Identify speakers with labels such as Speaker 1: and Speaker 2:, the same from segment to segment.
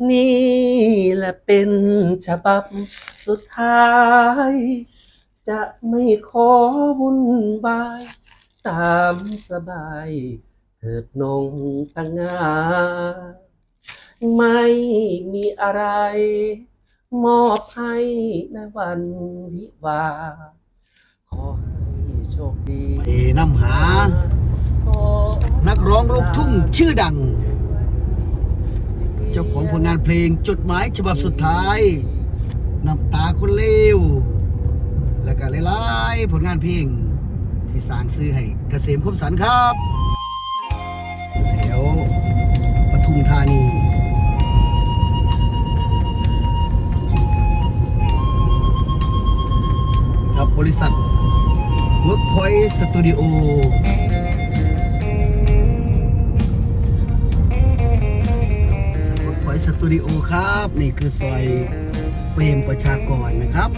Speaker 1: นี่แหละเป็นฉบับสุดท้าย จะไม่ขอวุ่นวายตามสบายเถิดนงปังงาไม่มีอะไรมอบให้ในวันวิวาขอให้โชคดี
Speaker 2: ไปนำหานักร้องลูกทุ่งชื่อดัง เจ้าของผลงานเพลงจดหมายฉบับสุดท้ายน้ำตาคนเลวและก็หลายๆผลงานเพลงที่สร้างชื่อให้เกษมคมสันต์ครับแถวปทุมธานีครับบริษัท Workpoint Studio สปอร์ตพอยต์สตูดิโอครับนี่คือซอยเปรมประชากรนะครับ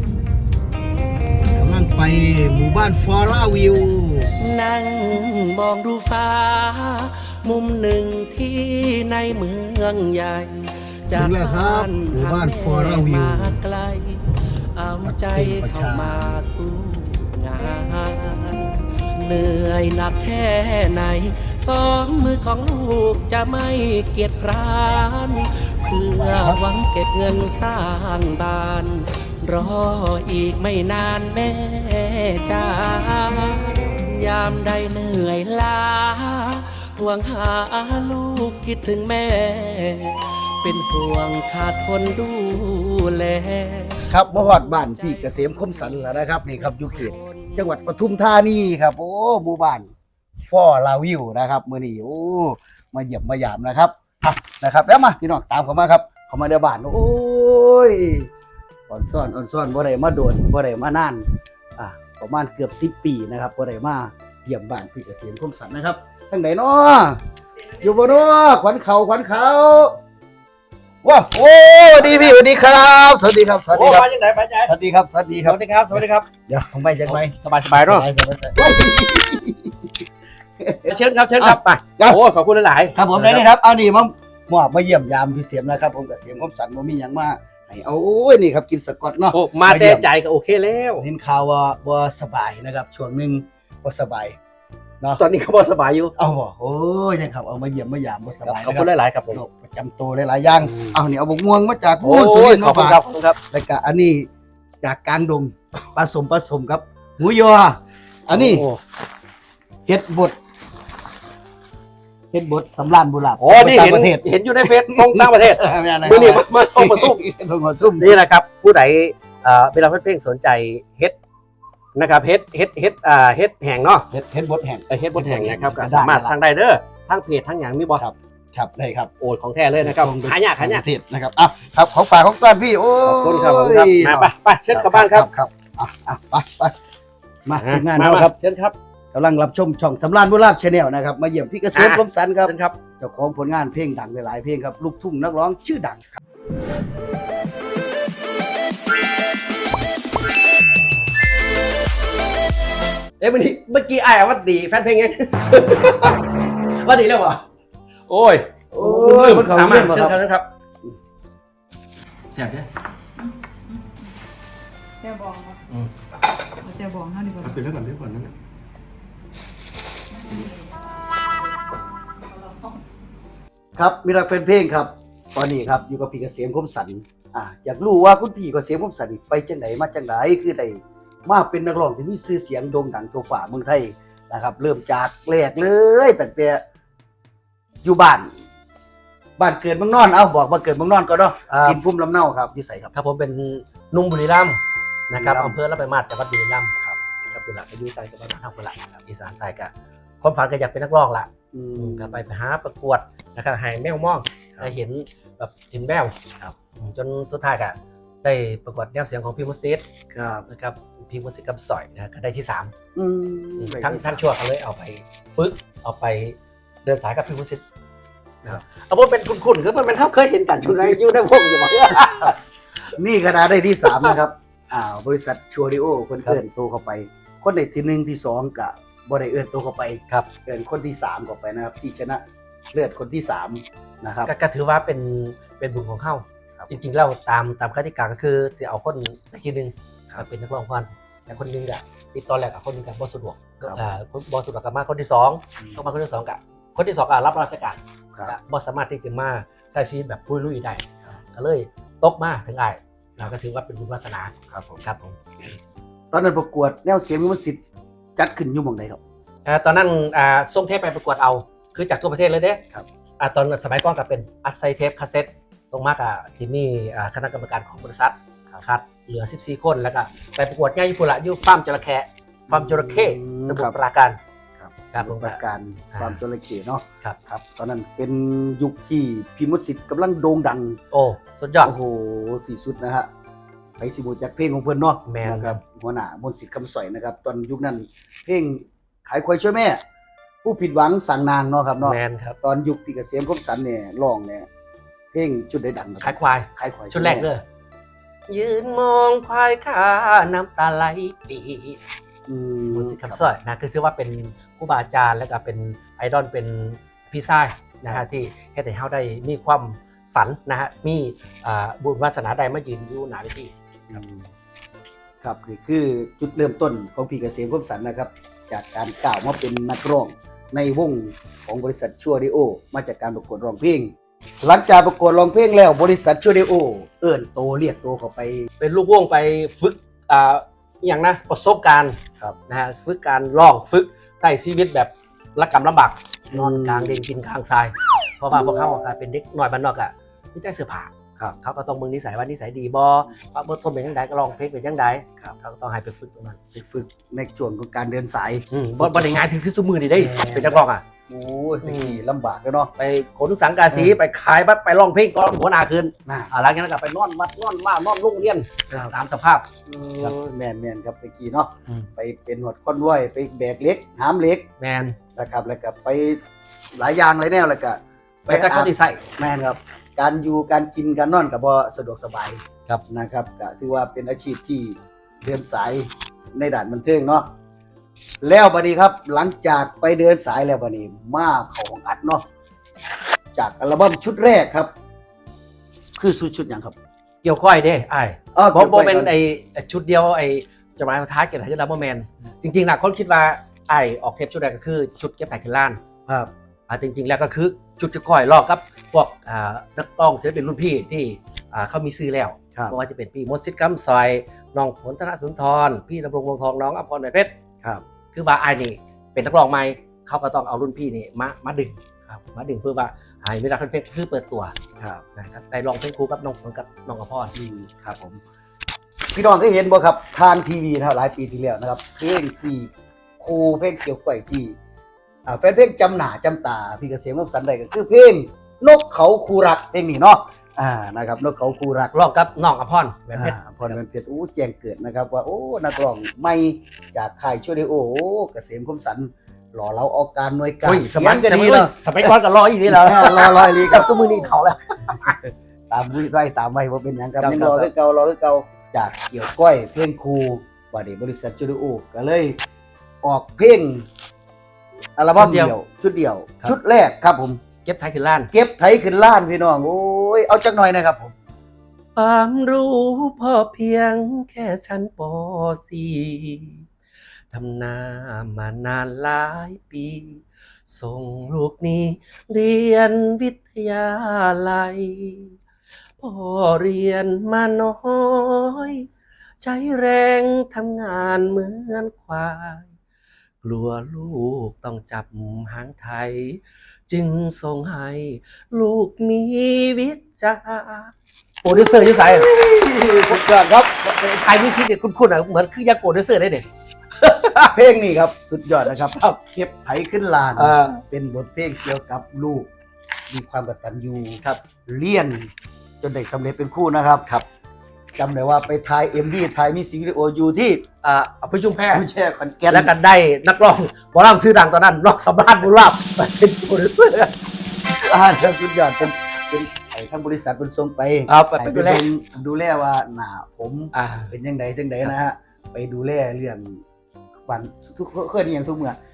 Speaker 2: กำลังไปหมู่บ้านฟอร่าวิว
Speaker 1: นั่งมองดูฟ้า มุมหนึ่งที่ในเมืองใหญ่ จาก
Speaker 2: ถึงแล้วครับหมู่บ้านฟอร่าวิว
Speaker 1: มาไกล เอาใจเข้ามาสู้งานเหนื่อยหนักแค่ไหนสองมือของลูกจะไม่เกียจคร้านเพื่อหวังเก็บเงินสร้างบ้าน รออีกไม่นานแม่จ้ายามใดเหนื่อยล้าห่วงหาลูกคิดถึงแม่ เป็นห่วงขาดคนดูแล
Speaker 2: ครับมาฮอดบ้านพี่เกษมคมสันต์แล้วนะครับนี่ครับอยู่เขตจังหวัดปทุมธานีครับโอ้หมู่บ้านฟอร่าวิวนะครับมื้อนี้โอ้มาเยี่ยมมายามนะครับนะครับแล้วมาพี่น้องตามเข้ามาครับเข้ามาในบ้านโอ้ยอ่อนซ่อนบ่ได้มาโดนบ่ได้มานานประมาณเกือบ10 ปีนะครับบ่ได้มาเยี่ยมบ้านพี่เกษมคมสันต์นะครับทางไหนเนาะอยู่บ่เนาะขวัญเขาว้าโอ้ดีพี่สวัสดีครับสวัสดีครับสวัสดีครับ
Speaker 1: มาจากไหนไปไหน
Speaker 2: สวัสดีครับสวัสดีครับ
Speaker 1: สวัสดีครับ สวัสดีครับ
Speaker 2: เดี๋ยวผมไปจากไหน
Speaker 1: สบายเนาะเชิญครับ เชิญครับ ไป โอ้ขอบคุณหลายๆ
Speaker 2: ครับผมได้เลยครับเอานี่มาเยี่ยมยามพี่เสียมนะครับผมกับเสียมคมสันบ่มีหยังมาให้เอาโอ้ยนี่ครับกินสกอตเนาะ
Speaker 1: โอ้มาแต่ใจก็โอเคแล้ว
Speaker 2: เห็นข่าวว่าบ่สบายนะครับช่วงหนึงบ่สบายเนาะ
Speaker 1: ตอนนี้ก็พอสบายอยู่
Speaker 2: เอาบ่โอ้ยยังครับเอามาเยี่ยมมายามบ่สบาย
Speaker 1: ขอบคุณหลายๆครับผม
Speaker 2: โรคประจำตัวหลายๆอย่างเอานี่เอาบกม่วงมาจาก
Speaker 1: โอ้
Speaker 2: สุริ
Speaker 1: ย
Speaker 2: นทร์
Speaker 1: ขอบ
Speaker 2: มา
Speaker 1: คุณ
Speaker 2: ฝาก
Speaker 1: ครับขอบคุณครับ
Speaker 2: แล้วก็อันนี้จากกลางดงผสมครับหมูยออันนี้
Speaker 1: โอ้
Speaker 2: เฮ็ดบดสำรานบุราบ
Speaker 1: โอ้นี่
Speaker 2: ต่า
Speaker 1: เห็
Speaker 2: ง
Speaker 1: น
Speaker 2: ประเทศ
Speaker 1: เห็นอยู่ในเฟซส่งต่างประเทศ
Speaker 2: มื
Speaker 1: มือนี้มาส่งมาตุ้ม
Speaker 2: ส่งมาตุ้ม
Speaker 1: นี่นะครับ ผู้ใดเวลาเพ่งสนใจเฮ็ดนะครับเฮ็ดแห่งเนาะ
Speaker 2: เฮ็ดบดแห้ง
Speaker 1: เฮ็ดบนแห่งนะครับก็สามารถสั่งได้เด้อทั้งเพจทั้งอย่างมีบ่
Speaker 2: ครับได้ครับ
Speaker 1: โอ้ของแท้เลยนะครับหายาก
Speaker 2: ประเทศนะครับอ่ะครับของฝากของต้อนพี่โอ้
Speaker 1: ขอบคุณครับมาไปเชิญกลับบ้านครับ
Speaker 2: ครับไปมาทีมงาน
Speaker 1: มา
Speaker 2: เราครับ
Speaker 1: เชิญครับ
Speaker 2: กำลังรับชมช่องสำราญบุราบชาแนลนะครับมาเยี่ยมพี่เกษมคมสันต์ครับ
Speaker 1: เชิญครับ
Speaker 2: เจ้าของผลงานเพลงดังหลายๆเพลงครับลูกทุ่งนักร้องชื่อดังครับ
Speaker 1: เมื่อกี้ไอ้วัดดีแฟนเพลงไง วัดดีแล้วเหรอโอ้ย
Speaker 2: มันเขา
Speaker 1: ถามมา
Speaker 2: เรื่องมา
Speaker 1: เชิ
Speaker 2: ค
Speaker 1: ญ
Speaker 2: รับ
Speaker 1: ครับแซ่บเนี่ย
Speaker 3: เจ้าบองครับเจ้าบองเท่านี้ก่อน
Speaker 1: เอาไปเรื่องก่อนนั่น
Speaker 2: ครับมีรักแฟนเพลงครับตอนนี้ครับอยู่กับพี่เกษมคมสันต์อยากรู้ว่าคุณพี่เกษมคมสันต์นี่ไปจังไหนมาจังไหนคือได้มาเป็นนักร้องที่มีชื่อเสียงโด่งดังทั่วฟ้าเมืองไทยนะครับ เริ่มจากแรกเลยตั้งแต่อยู่บ้านเกิดเมืองนอนบอกบ้านเกิดเมืองนอนก็เนาะกินพุ่มลำเนาครับอยู่ไสครับ
Speaker 1: ครับผมเป็นนุ่มบุรีรัมย์นะครับ
Speaker 2: บุรีรัมย์
Speaker 1: อำเภอละไปมาดจังหวัดบุรีรัมย์ครับกับบุรีรัมย์อายุใต้กับบ้านทางบุรีรัมย์อีสานใต้กับความฝันก็อยากเป็นนักร้องละก็ไปหาประกวดนะครับหายแมวมองได้เห็นแบบเห็นแมวครับจนสุดท้ายก็ได้ประกวดแนวเสียงของพี่มุสิต
Speaker 2: ครับ
Speaker 1: นะครับพี่มุสิตกับสอยนะก็ได้ที่
Speaker 2: อืม
Speaker 1: 3ทั้งชั่วเขาเลยเอาไปฝึกเอาไปเดินสายกับพี่มุสิตนะครับเอาว่าเป็นคุณคือมันเขาเคยเห็นกันชุดไรอยู่ในวงอยู่บ่
Speaker 2: นี่คณะได้ที่3นะครับบริษัทชัวริโอคนเกินโตเข้าไป คนในที่1ที่2กับบ่ได้เอื้อนโตเข้าไป
Speaker 1: ครับ
Speaker 2: เกินคนที่3เข้าไปนะครับที่ชนะเลือดคนที่3นะครับ
Speaker 1: ก็ถือว่าเป็นเป็นบุญของเฮา
Speaker 2: ครับ
Speaker 1: จริงๆแล้วตามกติกาก็คือจะเอาคนทีนึงมาเป็นนักร้องพรแต่คนหนึงอะติดตอนแรกกับคนหนึงกับบ่สะดวกคนบ่สะดวกกับมาคนที่สองต้องมาคนที่สองกับคนที่สองก็รับราชการ
Speaker 2: ครับ
Speaker 1: ก็บ่สามารถที่จะมาใช้ชีวิตแบบลุยๆได้ก็เลยตกมาถึงไอ้เราก็ถือว่าเป็นบุญวาสนา
Speaker 2: ครับผม
Speaker 1: ครับผม
Speaker 2: ตอนนั้นประกวดแนวเสียงมิวสิกจัดขึ้นอยู่หม่องใดครับ
Speaker 1: ตอนนั้นส่งเทปไปประกวดเอาคือจากทั่วประเทศเลยเด้
Speaker 2: ครับ
Speaker 1: ตอนสมัยก่อนก็เป็นอัดไซเทปคาสเซ็ตตรงมากกับที่มีคณะกรรมการของบริษัทคัดเหลือ14 คนแล้วก็ไปประกวดง่ายญี่ปุ่นละอยู่ฟาร์มจระเข้ฟาร์มจระเข้สมุทรปราการ ครับผม
Speaker 2: ประการ
Speaker 1: อ่า
Speaker 2: ความจระเข้เนาะ
Speaker 1: ครับ
Speaker 2: ครับตอนนั้นเป็นยุคที่พี่มนต์สิทธิ์กำลังโด่งดัง
Speaker 1: โอ้สุดยอด
Speaker 2: โอ้โหที่สุดนะฮะไปสิบูจากเพลงของเพิ่นเนาะ
Speaker 1: แม่น
Speaker 2: นะครับหัวหน้ามนต์สิทธิ์คำสอยนะครับ ตอนยุคนั้นเพลงขายควายช่วยแม่ ผู้ผิดหวังสั่งนางเนาะครับเนาะ
Speaker 1: แมนครับ
Speaker 2: ตอนยุคพี่เกษมคมสันต์เนี่ยร้องเนี่ยเพลงชุดได้ดังนะ
Speaker 1: ขายควาย
Speaker 2: ขายควาย
Speaker 1: ชุดแรกเลยยืนมองควายขาน้ำตาไหลปี
Speaker 2: อื
Speaker 1: มุสิกคำสร้อยนะคือถือว่าเป็นครูบาอาจารย์แล้วก็เป็นไอดอลเป็นพี่ชายนะฮะที่เฮ็ดให้เฮาได้มีความฝันนะฮะมีบุญวาสนาใดมายืนอยู่หน้าเวที
Speaker 2: ครับนี่คือจุดเริ่มต้นของพี่เกษมคมสันต์นะครับ จากการก้าวมาเป็นนักร้องในวงของบริษัทชัวดิโอมาจากการประกวดร้องเพลง หลังจากประกวดร้องเพลงแล้วบริษัทชัวดิโอเอิ้นโตเรียกโตเข้าไป
Speaker 1: เป็นลูกวงไปฝึกอหย่างนะประสบการณ์
Speaker 2: ครับ
Speaker 1: นะฮะฝึกการร้องฝึกใช้ชีวิตแบบระกำลำบากนอนกลางเดนกินกลางทรายเพราะว่าพวกเขาอะเป็นเด็กน้อยบ้านนอกอะไม่ได้เสื้อผ้า
Speaker 2: ครับ
Speaker 1: เขาก็ต้องมึงนิสัยว่านิสัยดีบ่ว่าบ่ทนเป็นจังไดก็ร้องเพลงเป็นจังได
Speaker 2: ครับ
Speaker 1: เขาก็ต้องให้ไปฝึกตรงนั้น
Speaker 2: ไปฝึกในช่วงของการเดินสาย
Speaker 1: บ่ได้ง่ายถึงที่สุมือนี่ได้เป็นนักร้องอ่ะ
Speaker 2: โอ้ยตะกี้ลำบากเลยเนาะ
Speaker 1: ไปขนสังกาสีไปขายบัดไปร้องเพลงก่อนหัวหน้าคืน
Speaker 2: น่ะ
Speaker 1: หลังจากนั้นก็ไปนอนวัดนอนว่านอนโรงเรียนตามสภาพ ครับ
Speaker 2: แม่นๆครับตะกี้เนาะ
Speaker 1: อืม
Speaker 2: ไปเป็นหนวดคอนว้อยไปแบกเหล็กหามเหล็ก
Speaker 1: แมน
Speaker 2: นะครับแล้วก็ไปหลายอย่างหลายแนวแล้วก็
Speaker 1: ไปกับเขาที่ใส่
Speaker 2: แม่นครับ การอยู่การกินการนอนก็บ่สะดวกสบาย
Speaker 1: ครับ
Speaker 2: นะครับก็ถือว่าเป็นอาชีพที่เดินสายในด่านบันเทิงเนาะแล้วบัดนี้ครับ หลังจากไปเดินสายแล้วบัดนี้มาเข้าของอัดเนาะจากอัลบั้มชุดแรกครับ คือชุดหยังครับ
Speaker 1: เกี่ยวก้อยเด้ไอ้
Speaker 2: อ๋อ
Speaker 1: เพราะ
Speaker 2: เกี่ยวก้อย
Speaker 1: เป็น
Speaker 2: ก่อน
Speaker 1: ไอ้ชุดเดียวไอ้จดหมายท้ายเก็บไผ่ขึ้นลาเมอร์แมนจริงๆนะคนคิดว่าไอ้ออกเทปชุดแรกก็คือชุดเก็บไผ่ขึ้นล้าน
Speaker 2: ครับ
Speaker 1: จริงๆแล้วก็คือชุดเกี่ยวก้อยลอกกับพวกนักร้องศิลปินรุ่นพี่ที่เขามีซื้อแล้ว
Speaker 2: ครับ
Speaker 1: ไม่ว่าจะเป็นพี่มดซิดกัมซอยน้องฝนธนสุนทรพี่ดำรงวงทองน้องอภรณ์แหวนเพชร
Speaker 2: ครับ
Speaker 1: คือว่าไอ้นี่เป็นนักร้องใหม่เขาก็ต้องเอารุ่นพี่นี่มาดึงครับมาดึงเพื่อว่าไอ้เวลาเพชรคือเปิดตัว
Speaker 2: ครับ
Speaker 1: นะครับได้ลองเพลงครูกับน้องฝนกับน้องอภรณ์
Speaker 2: ครับผมพี่น้องได้เห็นบ่ครับทางทีวีนะครับหลายปีที่แล้วนะครับเพลงที่ครูเพลงเกี่ยวกับที่แฟนเพลงจำหน้าจำตาพี่เกษมคมสันต์ได้ก็คือเพลงนกเขาคูรักเพลงนี้เนาะนะครับนกเขาคูรัก
Speaker 1: ลองกับน้องอภรณ์แหวนเพชร
Speaker 2: พรเงินเพชรแจ้งเกิดนะครับว่าโอ้นักร้องใหม่จากค่ายช่วยได้โอ้เกษมคมสันต์หล่อเราเอาการหน่วยการ
Speaker 1: อุ้ยสมัย
Speaker 2: กัน
Speaker 1: ส
Speaker 2: ดี
Speaker 1: มัย
Speaker 2: เนาะ
Speaker 1: สมัยก่อนก็รออยู่นี่แล้ว
Speaker 2: รออีหลีค
Speaker 1: กั
Speaker 2: รั
Speaker 1: บบ ตัวมือนี่เถาแล้ว
Speaker 2: ตามวิไว้ตามไว้ว่าเป็นหยังครับ
Speaker 1: ครับ
Speaker 2: ยังรอคือเก่ารอคือเก่าจากเกี่ยวก้อยเพลงครูว่านี้บริษัทจูดิโอก็เลยออกเพลงอัลบั้มเดียวชุดเดียว ชุดแรกครับผม
Speaker 1: เก็บไทยขึ้นล้าน
Speaker 2: เก็บไถขึ้นล้านพี่น้องโอ้ยเอาจักหน่อยนะครับผม
Speaker 1: ความรู้พอเพียงแค่ชั้นป .4 ทำนามานานหลายปี ส่งลูกนี้เรียนวิทยาลัยพอเรียนมาน้อย ใช้แรงทำงานเหมือนควาย กลัวลูกต้องจับหางไทย จึงส่งให้ลูกมีวิจาโปรดิวเซอร์อยุ่ใส่
Speaker 2: สุดยอดครับ
Speaker 1: ไทยมิวสิกเนี่ยคุณอ่ะเหมือนคือยังโปรดิวเซอร์ได้เนี่ย
Speaker 2: เพลงนี้ครับสุดยอดนะครับเก็บไถขึ้นล้าน เป็นบทเพลงเกี่ยวกับลูกมีความกตัญญู
Speaker 1: ครับ
Speaker 2: เรียนจนได้สำเร็จเป็นครู่นะครับครับจำได้ว่าไปถ่าย MV ถ่ายมิวสิกวิดีโออยู่ที่
Speaker 1: เอาไปชุมแพ
Speaker 2: ผู้แช่ขอนแก่น
Speaker 1: แล้วกันได้นักร้องหมอลำชื่อดังตอนนั้นนอกสำราญบุญลาภเป็นโปรดิวเซอร์
Speaker 2: ครับสุดยอดเป็นไอ้ทางบริษัทเป็นส่งไป
Speaker 1: ไป
Speaker 2: ให้
Speaker 1: ดูแล
Speaker 2: ดูแลว่าหน้าผม
Speaker 1: อ่า
Speaker 2: เป็นยังไงจังไดนะฮะไปดูแลเรื่องวันทุกเคยอหย่างทุกเมื่อ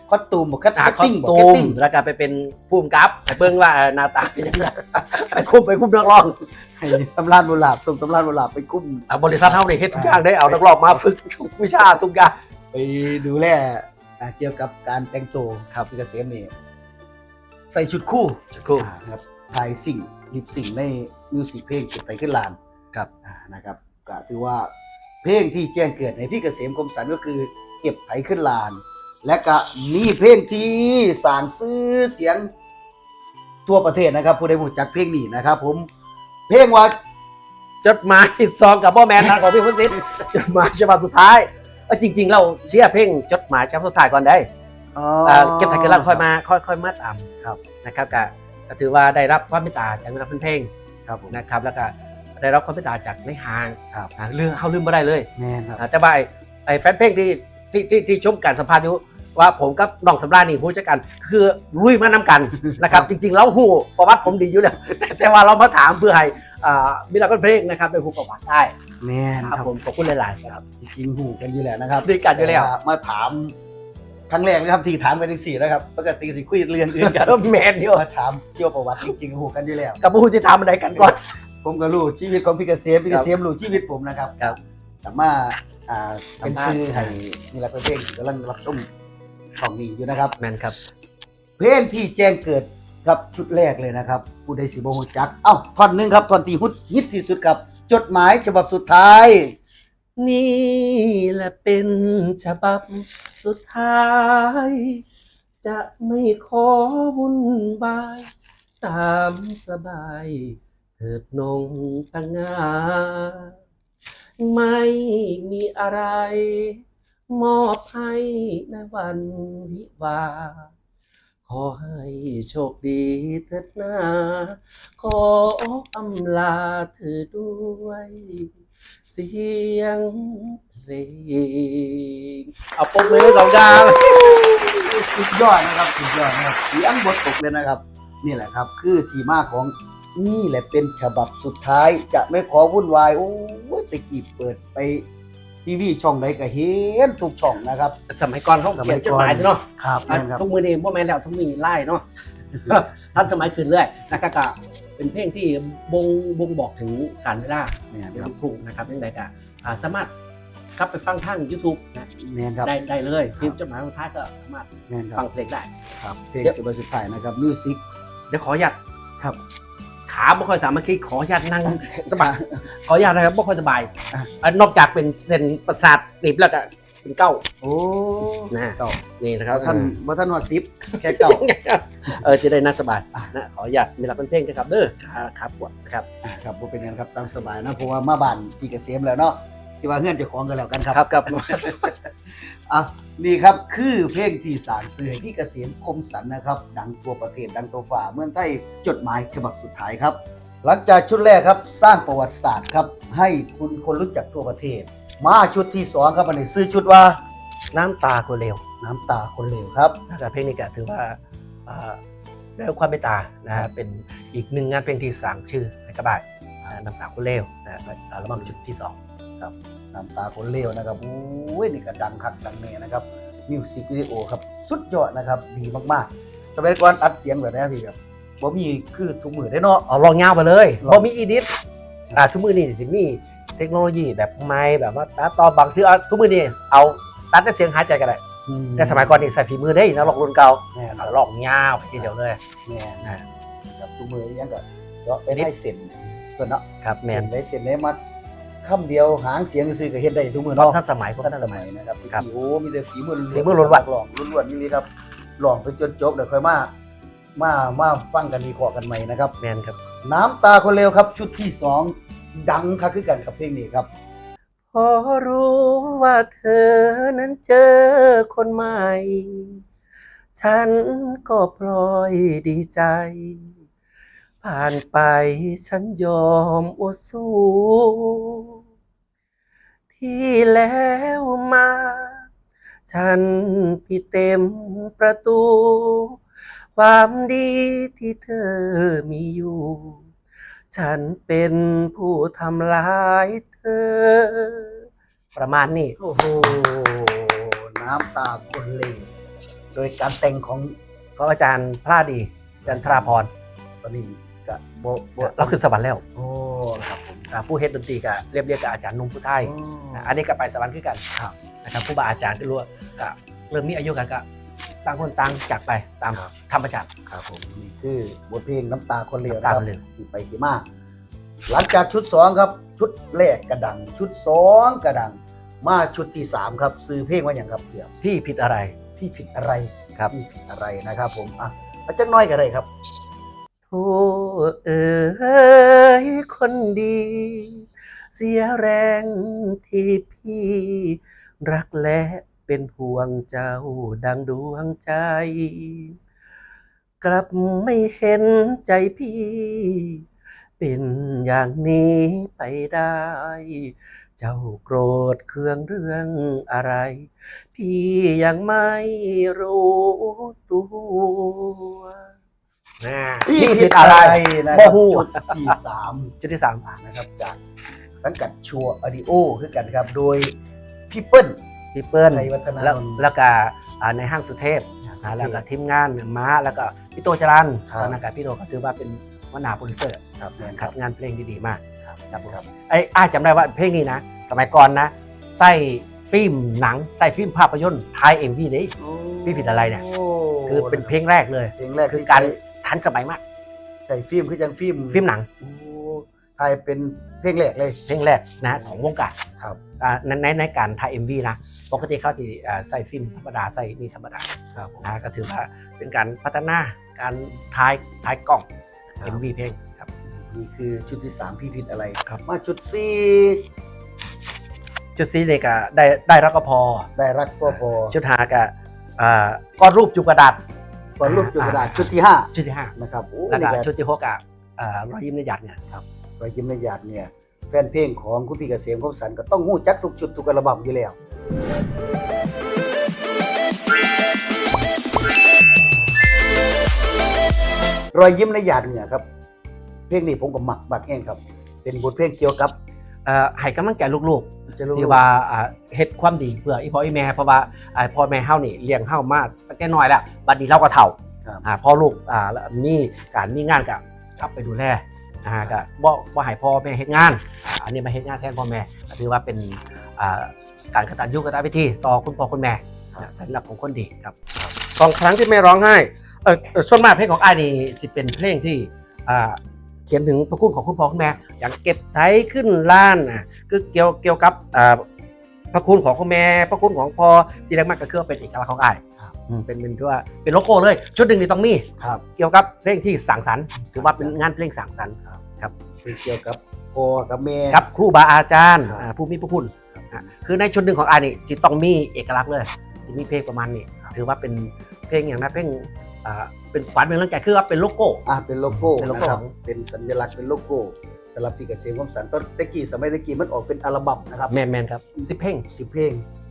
Speaker 2: คอสตูมบอกคัต
Speaker 1: คอ
Speaker 2: ติ้
Speaker 1: ส
Speaker 2: งบอก
Speaker 1: ตู
Speaker 2: คัต
Speaker 1: ม
Speaker 2: ติ้ง
Speaker 1: แล้วก็ไปเป็นผู้กำกับไปเบิ่งว่าหน้าตาเป็นยังไงไปคุมนักร้อง
Speaker 2: ให้สำราญบุหลาบส่งสำราญบุหลาบไปกุ้ม
Speaker 1: บริษัทเฮานี่เฮ็ดทุกอย่างได้เอานักร้องมาฝึกทุกวิชาทุกอย่าง
Speaker 2: ไปดูแลเกี่ยวกับการแต่งตัวครับพี่เกษมนี่ใส่ชุดคู่
Speaker 1: ครู
Speaker 2: ครับถ่ายสิ่งลิปสิ่งในมิวสิกเพลงเก็บไตขึ้นลาน
Speaker 1: ครับ
Speaker 2: นะครับก็ถือว่าเพลงที่แจ้งเกิดในพี่เกษมคมสันก็คือเก็บไถขึ้นลาน และก็มีเพลงที่สร้างชื่อเสียงทั่วประเทศนะครับผู้ใดรู้จักเพลงนี้นะครับผมเพลงว่า
Speaker 1: จดหมายซองกับพ่อแมนทางของพี่พุทธิจดหมายฉบับสุดท้ายจริงๆเราเชื่อเพลงจดหมายฉบับสุดท้ายก่อนได้เก็บไทยกันแล้วค่อยมาตาม
Speaker 2: ครับ
Speaker 1: นะครับก็ถือว่าได้รับความเมตตาจากนักเพลง
Speaker 2: ครับผม
Speaker 1: นะครับแล้วก็ได้รับความเมตตาจากในห้าง
Speaker 2: ครับ
Speaker 1: เรื่องเขาลืมไม่ได้เลย
Speaker 2: แม่นครับ
Speaker 1: แต่ว่าไอ้แฟนเพลงที่ชมการสัมภาษณ์อยู่ว่าผมกับน้องสำราญนี่ผู้จัดการคือลุยมานำกันนะครับ จริงๆแล้วหูประวัติผมดีอยู่แล้ว แต่ว่าเรามาถามเพื่อให้มีนักเพลงนะครับเป็นผู้ประวัติได้
Speaker 2: แม่น
Speaker 1: ค
Speaker 2: ค
Speaker 1: รั
Speaker 2: รั
Speaker 1: บบ ผมขอบคุณหลายๆครับ
Speaker 2: จริงๆหูกันอยู่แล้วนะครับ
Speaker 1: ดีกันอยู่แล้ว
Speaker 2: ต่มาถามครั้งแรกนะครับที่ถามกันที่สี่นะครับปกติสิคุยเรื่องอื่นกัน
Speaker 1: แมนอยู่
Speaker 2: มาถามเกี่ยวกับประวัติจริงๆหูกันอยู่แล้ว
Speaker 1: กับผู้ที่ทำอะไรกันก่อน
Speaker 2: ผมก็รู้ชีวิตของพี่เกษมพี่เกษมรู้ชีวิตผมนะครับ
Speaker 1: ครับ
Speaker 2: แต่มาเป็นซื้อให้นี่แหละเพลงที่กำลังรับชมของนี้อยู่นะครับ
Speaker 1: แมนครับ
Speaker 2: เพลงที่แจ้งเกิดครับชุดแรกเลยนะครับผู้ใดสิบ่ฮู้จักเอ้าท่อนหนึงครับท่อนที่ฮิตที่สุดครับจดหมายฉบับสุดท้าย
Speaker 1: นี่แหละเป็นฉบับสุดท้าย จะไม่ขอวุ่นวายตามสบายเถิดนงปังงาไม่มีอะไร มอบให้ในวันวิวาห์ขอให้โชคดีเถิดนาขออำลาเธอด้วย เสียงเพลงเอาปมมือของดาว
Speaker 2: สุดยอดนะครับสุดยอดนะครับเสียงบทตกเลยนะครับ นี่แหละครับคือที่มาของนี่แหละเป็นฉบับสุดท้ายจะไม่ขอวุ่นวายโอ้ยตะกี้เปิดไปทีวีช่องใดก็เห็นทุกช่องนะครับ
Speaker 1: สมัยก่อนเขาเขียนจดหมายเนาะ
Speaker 2: ครับนั่นครับ
Speaker 1: ทุกมือนี่พ่อแม่แล้วทุกมีไล่เนาะ ทันสมัยขึ้นเรื่อยนะครับก็เป็นเพลงที่บ่งบอกถึงการเวลา
Speaker 2: เนี่ย
Speaker 1: เป็น
Speaker 2: ครับ
Speaker 1: ลูกทุ่งนะครับยังไงก็สามารถกลับไปฟังทาง YouTube นะ
Speaker 2: เนี่ยครับ
Speaker 1: ได้เลยพิมพ์จดหมายสุดท้ายก็สามารถ
Speaker 2: เนี่ยค
Speaker 1: ฟั
Speaker 2: รั
Speaker 1: ง
Speaker 2: บ
Speaker 1: เพลงได้
Speaker 2: ครับเพลงฉบับสุดท้ายนะครับมิวสิก
Speaker 1: เดี๋ยวขออนุญาต
Speaker 2: ครับ
Speaker 1: ขาไม่ค่อยสามัคคีขออนุญาตนั่งสบายขออนุญาตนะครับไม่ค่อยสบายนอกจากเป็นเส้นประสาทหนีบแล้วก็เป็นเก้า
Speaker 2: โอ้
Speaker 1: นะ
Speaker 2: เก่า
Speaker 1: นี่นะครับ
Speaker 2: ท่านฮอดซิปแค่เก่า
Speaker 1: จะได้นั่งสบายนะขออนุญาตมีรับเป็นเพลงนะครับเด้อขาปวดนะครับ
Speaker 2: ครับบ่เป็นหยังครับตามสบายนะเพราะว่ามาบ้านพี่เกษมแล้วเนาะที่ว่าเฮือนเจ้าของกันแล้วกันครับ
Speaker 1: ครับ
Speaker 2: อ่ะนี่ครับคือเพลงที่สารสื่อให้พี่เกษมคมสันนะครับดังตัวประเทศดังตัวฝ่าเมืองไทยจดหมายฉบับสุดท้ายครับ หลังจากชุดแรกครับสร้างประวัติศาสตร์ครับให้คุณคนรู้จักทั่วประเทศ มาชุดที่สองครับอันนี้ซื้อชุดว่า
Speaker 1: น้ำตาคนเลว
Speaker 2: น้ำตาคนเลวครับ
Speaker 1: นะครับเพลงนี้ก็ถือว่าได้รับความเมตตานะฮะเป็นอีกหนึ่งงานเพลงที่สร้างชื่อให้กับบ้านน้ำตาคนเลวนะอัลบั้มชุดที่ 2
Speaker 2: ครับน้ำตาคนเลวนะครับโอ้ยนี่ก็ดังคักดังแน่นะครับมิวสิกวิดีโอครับสุดยอดนะครับดีมากๆสมัยก่อนอัดเสียงแบบนี้พี่ครับบ่มีคือทุกมือได้เนาะ
Speaker 1: เอาลองยาวไปเลย
Speaker 2: ลอง
Speaker 1: พอมีอีดิททุกมือนี่สิมีเทคโนโลยีแบบไม้แบบว่าตัดต่อบางทีทุกมือนี่เอาตัดแต่เสียงหายใจกันได้แต่สมัยก่อนนี่ใส่ฝีมือได้นะลองรุ่นเก่า
Speaker 2: แม่นครับ
Speaker 1: ลองยาวไปทีเดียวเลย
Speaker 2: แม่นะครับทุกมือยังก็เลาะไปได้เส้นเพิ่นเนาะ
Speaker 1: ครับแม
Speaker 2: เส้
Speaker 1: น
Speaker 2: นได้เส้นได้มัดคำเดียวหางเสียงซื่อก็เฮ็ดได้ทุกมือ
Speaker 1: เพราะ
Speaker 2: เนาะ
Speaker 1: ท่านสมัยพวก
Speaker 2: ทัน
Speaker 1: ท่าน
Speaker 2: ส
Speaker 1: ส
Speaker 2: มั
Speaker 1: มั
Speaker 2: ย
Speaker 1: ย
Speaker 2: นะครับ
Speaker 1: ครับ
Speaker 2: โอ้มีแต่ฝีมือ
Speaker 1: ฝีมือล้วนๆ
Speaker 2: หลองล้วนๆนี่ครับหลองไปจนจบเดี๋ยวค่อยมาฟังกันดีขอกันใหม่นะครับ
Speaker 1: แมนครับ
Speaker 2: น้ำตาคนเลวครับชุดที่2ดังคักคือกันกับเพลงนี้ครับ
Speaker 1: พอรู้ว่าเธอนั้นเจอคนใหม่ ฉันก็พลอยดีใจ ผ่านไปฉันยอมอดสู้ ที่แล้วมา ฉันพี่เต็มประตู ความดีที่เธอมีอยู่ ฉันเป็นผู้ทำร้ายเธอ ประมาณนี้
Speaker 2: โอ้โหน้ำตาคนเลวโดยการแต่งของ
Speaker 1: ของอาจารย์พระดีอาจารย์ธราพร
Speaker 2: ตอนนี้ก็โบ
Speaker 1: เราขึ้นสวรรค์แล้ว
Speaker 2: โอ้ครับผม
Speaker 1: ผู้เฮ็ดดนตรีก็เรียกกับอาจารย์นุ่มผู้ไทย อันนี้ก็ไปสวรรค์คือกัน
Speaker 2: ครับ
Speaker 1: นะครับผู้บาอาจารย์ที่รู้ว่าก็เริ่มมีอายุกันก็ต่างคนต่างจากไปตามธรรมชาติ
Speaker 2: ครับผมนี่คือบทเพลงน้ำตาคนเลว
Speaker 1: น้ำตาคนเลว
Speaker 2: ที่ไปที่มาหลังจากชุด2ครับชุดแรกกระดัง ชุด2กระดัง มาชุดที่3ครับซื้อเพลงว่าอย่างครับเดี๋ยว
Speaker 1: พี่ผิดอะไร
Speaker 2: พี่ผิดอะไร
Speaker 1: ครับ
Speaker 2: พี่ผิดอะไรนะครับผมอาจักหน้อยก็ได้ครับ
Speaker 1: โธ่เอ๋ยคนดี เสียแรงที่พี่รักและเป็นห่วงเจ้าดังดวงใจ กลับไม่เห็นใจพี่ เป็นอย่างนี้ไปได้ เจ้าโกรธเคืองเรื่องอะไร พี่ยังไม่รู้ตัว
Speaker 2: พี่ผิดอะไรนะครับ
Speaker 1: บ่ฮู้
Speaker 2: ชุดที่3
Speaker 1: จุดที่สาม
Speaker 2: นะครับจากสังกัดชัวออดิโอคือกันครับโดยพี่เปิ้ล
Speaker 1: พี่เปิ้ล
Speaker 2: ไทยวัฒนานนท์
Speaker 1: แล้วก็ในห้างสุเทพแล้วก็ทีมงานม้าแล้วก็พี่โตจรัน
Speaker 2: ครับ
Speaker 1: ตอนนั้นก็พี่โตก็ถือว่าเป็นหัวหน้าโปรดิวเซอร์
Speaker 2: ครับแม่นค
Speaker 1: คั
Speaker 2: รั
Speaker 1: ด
Speaker 2: บ
Speaker 1: งานเพลงดีๆมาก
Speaker 2: ครับผม
Speaker 1: อ้ายจำได้ว่าเพลงนี้นะ สมัยก่อนนะใส่ฟิล์มหนังใส่ฟิล์มภาพยนตร์ไทยเอ็มวีนี่ พี่ผิดอะไรเนี่ย
Speaker 2: โอ้
Speaker 1: คือเป็นเพลงแรกเลย
Speaker 2: เพลงแรก
Speaker 1: คือการทันสมัยมาก
Speaker 2: ใส่ฟิล์มคือจังฟิล์ม
Speaker 1: ฟิล์มหนัง
Speaker 2: โอ้ไทยเป็นเพลงแรกเลย
Speaker 1: เพลงแรกนะของวงการ
Speaker 2: ครับ
Speaker 1: ในการถ่าย MV นะปกติเขาจะใส่ฟิล์มธรรมดาใส่นี่ธรรมดา
Speaker 2: ครับผม
Speaker 1: นะก็ถือว่าเป็นการพัฒนาการถ่ายกล้อง MV เพลงครับ
Speaker 2: นี่คือชุดที่3พี่ผิดอะไร
Speaker 1: ครับ
Speaker 2: มาชุด
Speaker 1: ชุดซีเด็กอะได้รักก็พอ
Speaker 2: 4ได้รักก็พอ
Speaker 1: ชุดหากะก้อนรูปจุกกระดาษ
Speaker 2: ก่อนรูปจุดกระดาษชุดที่
Speaker 1: ชุดที่
Speaker 2: 5นะครับโอ้
Speaker 1: 5แล้วก็
Speaker 2: นี่
Speaker 1: ชุดที่6อะรอยยิ้มในหยาดเนี่ยครับ
Speaker 2: รอยยิ้มในหยาดเนี่ยแฟนเพลงของคุณพี่เกษมคมสันต์ก็ต้องฮู้จักทุกชุดทุกอัลบั้มอยู่แล้วรอยยิ้มในหยาดเนี่ยครับเพลงนี้ผมก็มักแห้งครับ เป็นบทเพลงเกี่ยวกับ
Speaker 1: ให้กำลังใจลูก
Speaker 2: จะรู้
Speaker 1: ๆที่ว่าเฮ็ดความดีเพื่ออีพ่ออีแม่เพราะว่าพ่อแม่เฮานี่เลี้ยงเฮามาตั้งแต่น้อยแล้วบัดนี้เราก็เฒ่า
Speaker 2: ครับ
Speaker 1: พอลูกมีการมีงานก็กลับไปดูแลก็บ่ให้พ่อแม่เฮ็ดงานอันนี้มาเฮ็ดงานแทนพ่อแม่ก็ถือว่าเป็นการกตัญญูกตเวทีต่อคุณพ่อคุณแม่สัญลักษณ์ของคนดีครับสองครั้งที่แม่ร้องไห้ส่วนมากเพลงของอ้ายนี่สิเป็นเพลงที่เขียนถึงพระคุณของคุณพ่อคุณแม่อย่างเก็บไถขึ้นล้านคือเกี่ยวกับพระคุณของคุณแม่พระคุณของพ่อที่แรกมากก็คือเป็นเอกลักษณ์ของอ้ายเป็นที่ว่าเป็นโลโก้เลยชุดหนึ่งนี่ต้องมี
Speaker 2: ครับ
Speaker 1: เกี่ยวกับเพลงที่สังสรรค์ถือว่าเป็นงานเพลงสังสรรค์ครับ
Speaker 2: เพลงเกี่ยวกับพ่อกับแม่
Speaker 1: กับครูบาอาจารย์
Speaker 2: ครับ
Speaker 1: ผู้มีพระคุณคือในชุดหนึ่งของอ้ายนี่จะต้องมีเอกลักษณ์เลยจะมีเพลงประมาณนี้ถือว่าเป็นเพลงอย่างนั้นเพลงเป็นขวัญเป็นกำลังใจคือว่าเป็นโลโก้
Speaker 2: เป็นโลโก้
Speaker 1: เป็นโลโก้
Speaker 2: นะครับเป็นสัญลักษณ์เป็นโลโก้สำหรับพี่เกษมคมสันต์ตอนสมัยตะกี้มันออกเป็นอัลบั้มนะครับ
Speaker 1: แมนครับ10เพลง
Speaker 2: 10 เพลง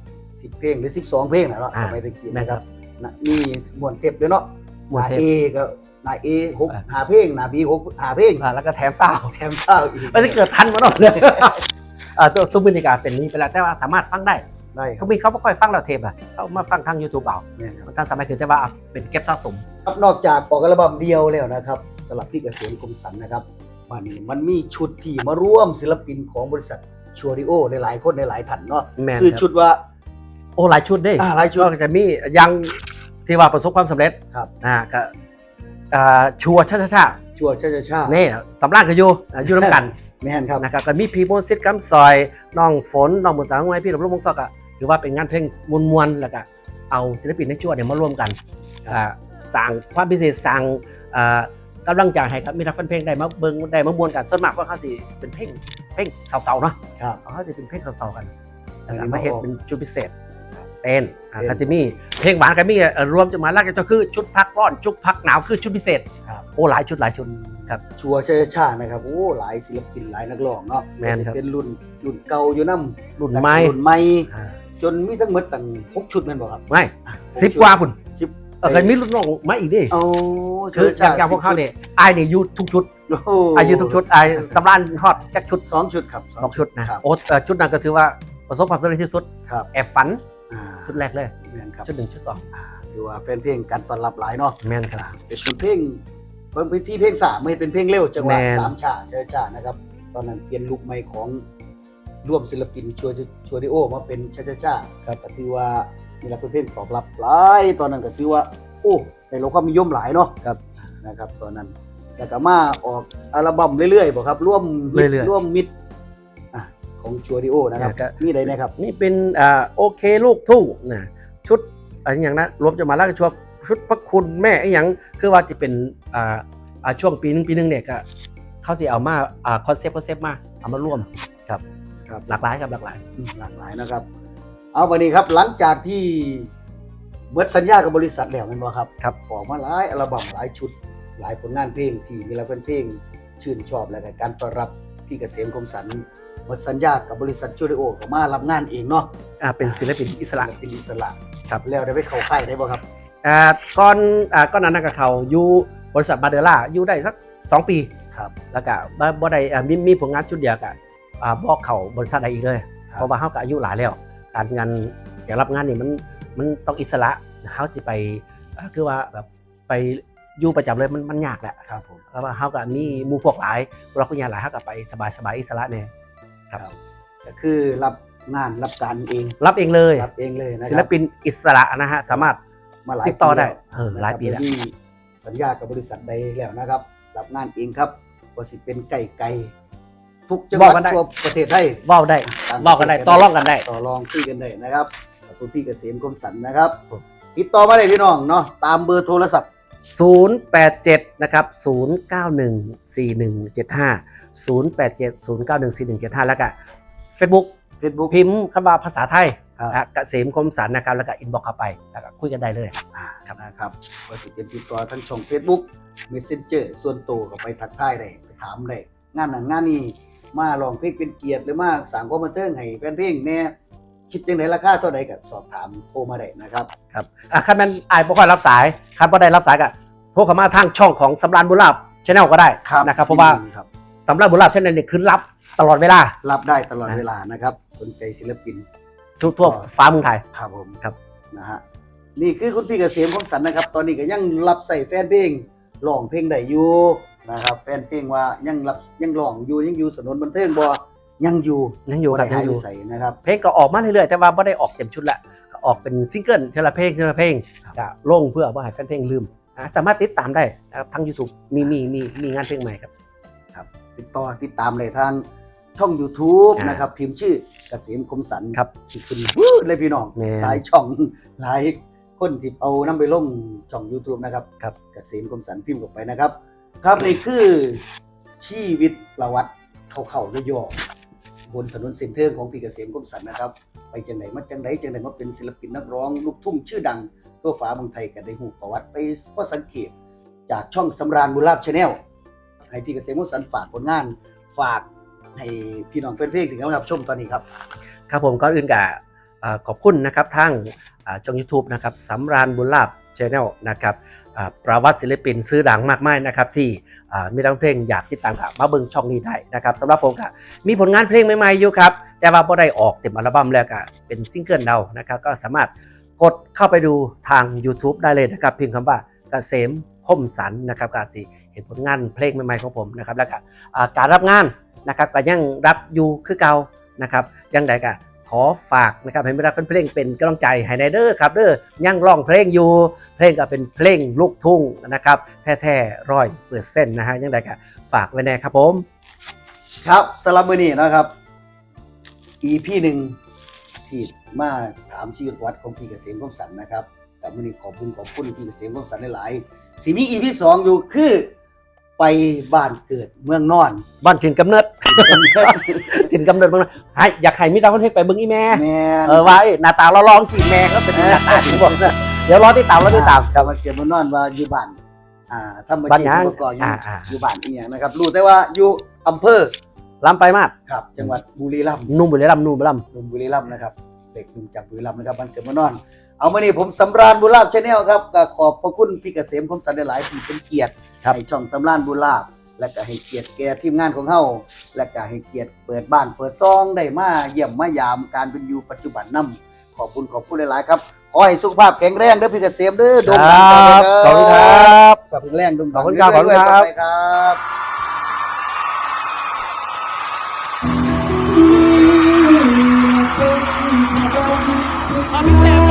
Speaker 2: 10 เพลงหรือ 12 เพลงนะเนาะสมัยตะกี้
Speaker 1: แม่น
Speaker 2: นะ
Speaker 1: ค
Speaker 2: ค
Speaker 1: รั
Speaker 2: รับ บมีม่วนเทปด้วยเนาะ
Speaker 1: ม่วนเทป
Speaker 2: หน้า A ก็หน้า A 6 5เพลงหน้า B 6 5เพลง
Speaker 1: แล้วก็แถมซาว
Speaker 2: แถมข้าวอีก
Speaker 1: ไม่ได้เกิดทันมาหรอกเลยทุกบรรยากาศเป็นนี้ไปแล้วแต่ว่าสามารถฟังได้
Speaker 2: ได้ครั
Speaker 1: เขา
Speaker 2: บ
Speaker 1: มีเขาไม่ค่อยฟังเราเทปเขามาฟังทาง YouTube เอา
Speaker 2: แม่นครับ
Speaker 1: ท่านสมัยคือแต่ว่าเป็นเก็บสะสม
Speaker 2: ครับนอกจากออกอัลบั้มเดียวแล้วนะครับสำหรับพี่เกษมคมสันต์นะครับวันนี้มันมีชุดที่มาร่วมศิลปินของบริษัทชัวริโอหลายๆคนหลายๆท่านเนาะ
Speaker 1: แม่น
Speaker 2: ชื่อ
Speaker 1: ครับ
Speaker 2: ชุดว่า
Speaker 1: โอ้หลายชุดเด้
Speaker 2: หลายชุด
Speaker 1: ก็จะมียังที่ว่าประสบความสำเร็จ
Speaker 2: ครับ
Speaker 1: ก็ชัวร์ช่า
Speaker 2: ชัวชาชาชา
Speaker 1: นี่สำรานก็อยู่น้ำกัน
Speaker 2: แม่นครับ
Speaker 1: นะครับก็มีพีโมซิตกัมซอยน้องฝนน้องบุญตาของไว้พี่หลบลูกมงตอกถือว่าเป็นงานเพลงมวลๆแล้วก็เอาศิลปินในชัวเนี่ยมาร่วมกันสร้างความพิเศษสร้างกำลังใจให้ครับมีนักฟังเพลงได้มาเบิ่งได้มามวลกันส่วนมากว่าเขาสิเป็นเพลงเสาๆเนาะ
Speaker 2: ครับ
Speaker 1: เขาจะเป็นเพลงเสาๆกัน
Speaker 2: อันนี้
Speaker 1: มาเฮ็ด
Speaker 2: มาออก
Speaker 1: เป็นชุดพิเศษเต้นก็จะมีเพลงหวานก็มีรวมจะมาลากจะคือชุดพักร้อนชุดพักหนาวคือชุดพิเศษ
Speaker 2: ครับ
Speaker 1: โอ้หลายชุดครับ
Speaker 2: ชัวชาชาชานะครับโอ้หลายศิลปินหลายนักร้องเนาะ
Speaker 1: แม่นครับ
Speaker 2: เป็นรุ่นเก่าอยู่นำ
Speaker 1: รุ่นใหม่
Speaker 2: รุ่นใหม่จนมีทั้งหมดตั้ง6ชุดแม่นบ่ครับ
Speaker 1: ไม่
Speaker 2: 6
Speaker 1: 10กว่าพุ่น
Speaker 2: 10
Speaker 1: เคยมีรุ่นน้องมาอีกดิ
Speaker 2: โอ้
Speaker 1: คืออย่างพวกเขาเนี่ยไอ้เนี่ยอยู่ทุกชุด
Speaker 2: โอ้โห
Speaker 1: อายุทุกชุดไอ้สำรานฮอดแค่ชุด
Speaker 2: 2 ชุดครับ
Speaker 1: 2 ชุดนะครับ โอ้ชุดนั้นก็ถือว่าประสบความสำเร็จที่สุด
Speaker 2: ครับ
Speaker 1: แอบฝัน
Speaker 2: อ่า
Speaker 1: ชุดแรกเลย
Speaker 2: แม่นครับ
Speaker 1: ชุด1ชุด2
Speaker 2: ถือว่าแฟนเพลงการต้อนรับหลายเนาะ
Speaker 1: แม่นครับ
Speaker 2: เป็นเพลงเป็นที่เพลงสามไม่เป็นเพลงเร็วจังหวะ
Speaker 1: แม่น
Speaker 2: สามฉาช้าๆนะครับตอนนั้นเปลี่ยนลุคใหม่ของร่วมศิลปินชัวดิโอมาเป็นช้าๆครับก็ถือว่ามีรับเพลงตอบรับหลายตอนนั้นก็ถือว่าโอ้ได้รับความนิยมหลายเนาะ
Speaker 1: ครับ
Speaker 2: นะครับตอนนั้นแล้วก็มาออกอัลบั้มเรื่อยๆบ่ครับร่วมมิตร
Speaker 1: เรื่อยๆ
Speaker 2: ร่วมมิตรของชัวดิโอนะครับ
Speaker 1: ก็
Speaker 2: มีใดนะครับ
Speaker 1: นี่เป็นโอเคลูกทุ่งนะชุดอะไรอย่างนั้นรวมจะมาแล้วก็ชุดพระคุณแม่ไอ้อย่างคือว่าจะเป็นช่วงปีนึงเนี่ยก็เขาสิเอามาคอนเซปต์มาเอามาร่วมครับ
Speaker 2: ครับ
Speaker 1: หลากหลายครับหลากหลาย
Speaker 2: หลากหลายนะครับ เอาวันนี้ครับหลังจากที่เบิดสัญญากับบริษัทแล้วแม่นบ่ครับ
Speaker 1: ครับ
Speaker 2: ออกมาหลายอัลบั้มหลายชุดหลายผลงานเพลงที่มีแล้วเป็นเพลงชื่นชอบแล้วก็การต้อนรับพี่เกษมคมสันต์หมดสัญญากับบริษัทชูดิโอก็มารับงานเองเนาะ
Speaker 1: เป็นศิลปินอิสระ
Speaker 2: เป็นอิสระ
Speaker 1: ครับ
Speaker 2: แล้วได้ไปเข้าค่ายได้บ่ครับ
Speaker 1: ก้อนนั้นกับเขาอยู่บริษัทบาเดล่าอยู่ได้สัก2 ปี
Speaker 2: ครับ
Speaker 1: แล้วก็บ่ได้มีผลงานชุดเดียวกับบอกเขาบริษัทใดอีกเลย
Speaker 2: ครับ
Speaker 1: เพราะว่าเขาก็อายุหลายแล้ว การงานอยากรับงานนี่มันต้องอิสระเขาจะไปคือว่าแบบไปอยู่ประจำเลยมันยากแหละ
Speaker 2: ครับผม
Speaker 1: เพราะว่าเขาก็มีหมู่พวกหลายเราก็ยาหลายเขาก็ไปสบายอิสระเนี่ยครับ
Speaker 2: ก็คือรับงานรับการเอง
Speaker 1: รับเองเลย
Speaker 2: รับเองเลยนะค
Speaker 1: ศิล
Speaker 2: รับ
Speaker 1: ปินอิสระนะฮะสามารถ
Speaker 2: มาหลาย
Speaker 1: ติดต่อได้
Speaker 2: แล้ว
Speaker 1: หลายปีแล้ว
Speaker 2: มีสัญญากับบริษัทใดแล้วนะครับ รับงานเองครับว่าสิเป็นไก่ทุกจังหวัดทั่วประเทศไทย
Speaker 1: เว้าได้เว้ากันได้ต่อรองกันได้
Speaker 2: ต่อรองคุยกันได้นะครับขอบคุณพี่เกษมคมสันต์นะครับติดต่อมาได้พี่น้องเนาะตามเบอร์โทรศัพท์
Speaker 1: 087นะครับ0914175 087091475แล้วก็ Facebook
Speaker 2: Facebook
Speaker 1: พิมพ์คำว่าภาษาไทย
Speaker 2: ครับ
Speaker 1: เกษมคมสันนะครับแล้วก็อินบ็อกเข้าไปแล้วก็คุยกันได้เลย
Speaker 2: ครับนะครับก็สิเป็นติดต่อทั้งช่อง Facebook Messenger ส่วนตัวก็ไปทักทายได้ไปถามได้งานนั้นงานนี้มาลองเพลงเป็นเกียรติหรือมาสร้างความบันเทิงให้แฟนเพลงแน่คิดจังไดราคาเท่าใดก็สอบถามโทรมาได้นะครับ
Speaker 1: ครับคันแม่นอายบ่ค่อยรับสายคันบ่ได้รับสายก็โทรเข้ามาทางช่องของสำราญบุญลาภ Channel ก็ได้นะครับเพราะว่า
Speaker 2: ครับ
Speaker 1: สำราญบุญลาภ Channel เนี่ยคือรับตลอดเวลา
Speaker 2: รับได้ตลอดเวลานะครับสนใจศิลปิน
Speaker 1: ทั่วฟ้าเมืองไทย
Speaker 2: ครับผม
Speaker 1: ครับ
Speaker 2: นะฮะนี่คือคุณพี่เกษมคมสันต์นะครับ ตอนนี้ก็ยังรับใส่แฟนเพลงร้องเพลงได้อยู่นะครับแฟนเพลงว่ายังร้องอยู่ยังอยู่สนนบันเทิงบ่ยังอยู่
Speaker 1: ยังอยู่ครับ
Speaker 2: บ่ได้
Speaker 1: ยัง
Speaker 2: หา
Speaker 1: อยู่
Speaker 2: ใส่นะครับ
Speaker 1: เพลงก็ออกมาเรื่อยๆแต่ว่าไม่ได้ออกเต็มชุดละก็ออกเป็นซิงเกิลเทละเพลงจะลงเพื่อว่าให้แฟนเพลงลืมสามารถติดตามได้นะครับทั้ง YouTube มีงานเพลงใหม่ครับ
Speaker 2: ติดตามเลยทางช่อง YouTube
Speaker 1: อ่าน
Speaker 2: นะครับพิมพ์ชื่อเกษมคมสันต์
Speaker 1: ครับ
Speaker 2: สิขึ้นเลยพี่น้อง
Speaker 1: แม่น
Speaker 2: หลายช่องหลายคนที่เอานำไปลงช่อง YouTube นะครับ
Speaker 1: ครับ
Speaker 2: เกษมคมสันต์พิมพ์เข้าไปนะครับ ครับนี่คือชีวิตประวัติเข้าๆย่อๆบนถนนเส้นเทิงของพี่เกษมคมสันต์นะครับ ไปจังไหนมาจังไหนมาเป็นศิลปินนักร้องลูกทุ่งชื่อดังทั่วฟ้าเมืองไทยกันได้หูประวัติไปพอสังเกตจากช่องสำราญบุญลาภ Channel ให้พี่เกษมคมสันต์ฝากผลงานฝากให้พี่น้องแฟนเพลงถึงกำลังรับชมตอนนี้ครับ
Speaker 1: ครับผมก่อนอื่นกับขอบคุณนะครับทางช่อง YouTube นะครับสำราญบุญลาภ Channel นะครับประวัติศิลปินชื่อดังมากมายนะครับที่มีนักเพลงอยากติดตามกับมาเบิ่งช่องนี้ได้นะครับสำหรับผมก็มีผลงานเพลงใหม่ๆอยู่ครับแต่ว่าบ่ได้ออกเต็มอัลบั้มแล้วก็เป็นซิงเกิลเดานะครับก็สามารถกดเข้าไปดูทาง YouTube ได้เลยนะครับพิมพ์คำว่าเกษมคมสันต์นะครับก็จะเห็นผลงานเพลงใหม่ๆของผมนะครับแล้วก็การรับงานนะครับก็ยังรับอยู่คือเก่านะครับยังไงก็ขอฝากนะครับให้บรรดาเพลงเป็นกำลังใจให้ในเด้อครับเด้อยังร้องเพลงอยู่เพลงก็เป็นเพลงลูกทุ่งนะครับแท้ๆ100%นะฮะยังไงก็ฝากไว้แน่ครับผม
Speaker 2: ครับสำหรับมื้อนี้นะครับ EP หนึ่งที่มาถามชีวิตวัดของพี่เกษมคมสันต์นะครับแต่มื้อนี้ขอบคุณพี่เกษมคมสันต์หลายๆสิมี EP 2อยู่คือไปบ้านเกิดเมืองนอน
Speaker 1: บ้านถิ่นกำเนิด ถิ่นกำเนิดเมืองนอนให้อยากให้มีดาวคนเพลงไปเบิ่งอีแม่
Speaker 2: แม่น
Speaker 1: ว่าหน้าตาเราลองจีแม่ก็เป็นหน้าตาที่บอกนะเดี๋ยวรอติดตาม
Speaker 2: ครับมาเกิดเมืองนอนว่าอยู่บ้านทำอา
Speaker 1: บ้าน
Speaker 2: ชีพ
Speaker 1: หยัง
Speaker 2: ประกอบหยัง
Speaker 1: อยู่
Speaker 2: บ้านอีหยังนะครับรู้แต่ว่าอยู่อำเภอ
Speaker 1: ลำไปมาก
Speaker 2: ครับจังหวัดบุรีรัมย์
Speaker 1: นุ่มบุรีรัมย์
Speaker 2: หนุ่มบุรีรัมย์นะครับเด็กหนุ่มจากบุรีรัมย์นะครับบ้านเกิดเมืองนอน เอามานี่ผมสำราญบุญลาภ Channel ครับก็ขอบพระคุณพี่เกษมคมสันต์หลายๆที่เป็นเกียรติ
Speaker 1: ครับ
Speaker 2: ให้ช่องสำราญบุญลาภและก็ให้เกียรติแก่ทีมงานของเฮาและก็ให้เกียรติเปิดบ้านเปิดซองได้มาเยี่ยมมายามการเป็นอยู่ปัจจุบันนำขอบคุณหลายๆครับขอให้สุขภาพแข็งแรงเด้อพี่เกษมเด้อโด่ง
Speaker 4: ค
Speaker 2: ดั
Speaker 4: รั
Speaker 2: ง
Speaker 4: บขอบคุณครับ
Speaker 2: ขอบคุณแรงโด่งดัง
Speaker 4: ขอบคุณครับ
Speaker 2: เอยๆ
Speaker 4: ขอบคุณครับ
Speaker 2: ไปครับ
Speaker 5: เอาพี่แซม